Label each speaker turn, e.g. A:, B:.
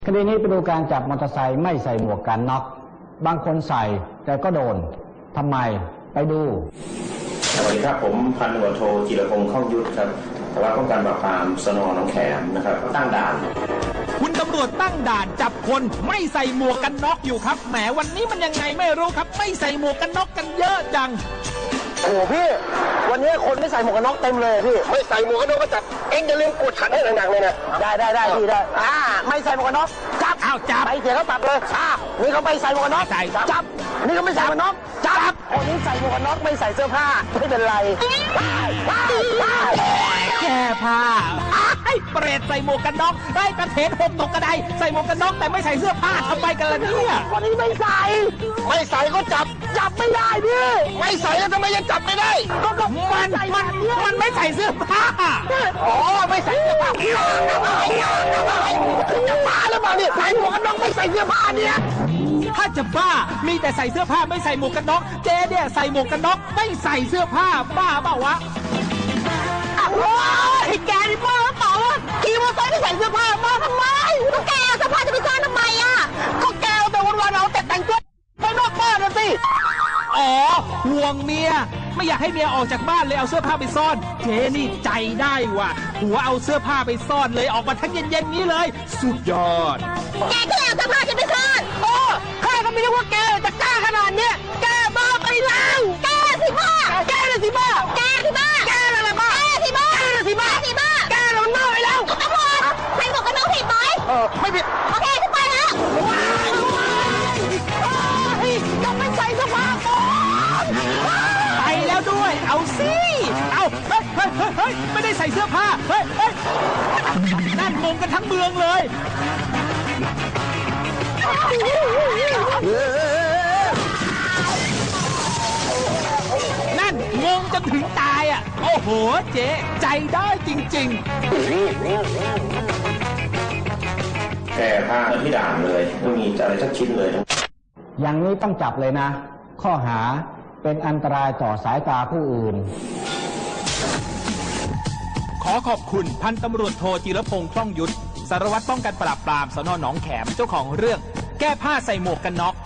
A: คดีนี้ไปดูการจับมอเตอร์ไซค์ไม่ใส่หมวกกันน็อกบางคนใส่แต่ก็โดนทำไมไปดู
B: สวัสดีครับผมพันตำรวจโทจิรพงษ์ คล่องยุทธครับสารวัตรป้องกันปราบปรามสน.หนองแขมนะครับตั้งด่าน
C: คุณตำรวจตั้งด่านจับคนไม่ใส่หมวกกันน็อกอยู่ครับแหมวันนี้มันยังไงไม่รู้ครับไม่ใส่หมวกกันน็อกกันเยอะจัง
D: โอ้โหพี่วันนี้คนไม่ใส่หมวกกันน็อกเต็มเลยพี่ไม่ใส่หมวกกันน็อกก็จับเอ็งอย่าลืมกดขันให้หนักๆเลยนะได้พี่ได้ไม่ใส่หมวกกันน็อกจับ
C: จับ
D: ไปเสียเขาปรับเลยนี่เขาไม่ใส่หมวกกันน็อกจับนี่เขาไม่ใส่หมวกกันน็อกจับคนนี้ใส่หมวกกันน็อกไม่ใส่เสื้อผ้าไม่เป็นไร
C: แก้ผ้าไอ้เปรตใส่หมวกกันน็อกไอ้กระเทนหกตกกระไดใส่หมวกกันน็อกแต่ไม่ใส่เสื้อผ้าทำไมกันล่ะเนี่ย
D: คนนี้ไม่ใส่ก็จับไม่ได้พี่ไม่ใส่แล้วทำไมยังจับไม่ได้ก็
C: มันไม่ใส่เสื้อผ้า
D: อ๋อไม่ใส่เสื้อผ้าจะบ้าหรือเปล่าเนี่ยใส่หมวกกันน็อกไม่ใส่เสื้อผ้าเนี่ย
C: ถ้าจะบ้ามีแต่ใส่เสื้อผ้าไม่ใส่หมวกกันน็อกเจ๊เนี่ยใส่หมวกกันน็อกไม่ใส่เสื้อผ้าบ้าเปล่าวะ
D: โอ้ยแกนี่บ้าหรือเปล่าวะขี่มอเตอร์ไซค์ไม่ใส่เสื้อผ้ามาทำไมก็แกเสื้อผ้าจะไปซ่อนทำไมอ่ะก็แกแต่วันๆเอาแต่แต่งตัวไปนอกบ้านนะสิ
C: อ๋อห่วงเมียไม่อยากให้เมียออกจากบ้านเลยเอาเสื้อผ้าไปซ่อนเจ๊นี่ใจได้ว่ะหัวเอาเสื้อผ้าไปซ่อนเลยออกมาทั้งเย็นๆนี้เลยสุดยอด
D: แกก็เอาเสื้อผ้าจะไปซ่อนโอ้ข้าก็ไม่รู้ว่าแกจะกล้าขนาดเนี้ยแกบ้าไปแล้วแกสิบ้าแกน่ะสิบ้าแกสิบ้าแกอะไรบ้าแกสิบ้าแกน่ะสิบ้าแกเราเน่าไปแล้วตำรวจใครบอกกันน้องผิดไหมไม่ผิดโอเคขึ้นไปแล้วจะไม่ใส่เสื้อผ้าก่อน
C: ไปแล้วด้วยเอาสิเอาเฮ้ยไม่ได้ใส่เสื้อผ้าเฮ้ยนั่นงงกันทั้งเมืองเลยนั่นงงจนถึงตายอ่ะโอ้โหเจ๊ใจได้จริง
B: แก้ผ้าที่ด่านเลยไม่มีอะไรสักชิ้นเลย
A: อย่างนี้ต้องจับเลยนะข้อหาเป็นอันตรายต่อสายตาผู้อื่น
C: ขอขอบคุณพันตำรวจโทจิรพงษ์ คล่องยุทธสารวัตรป้องกันปราบปรามสน.หนองแขมเจ้าของเรื่องแก้ผ้าใส่หมวกกันน็อก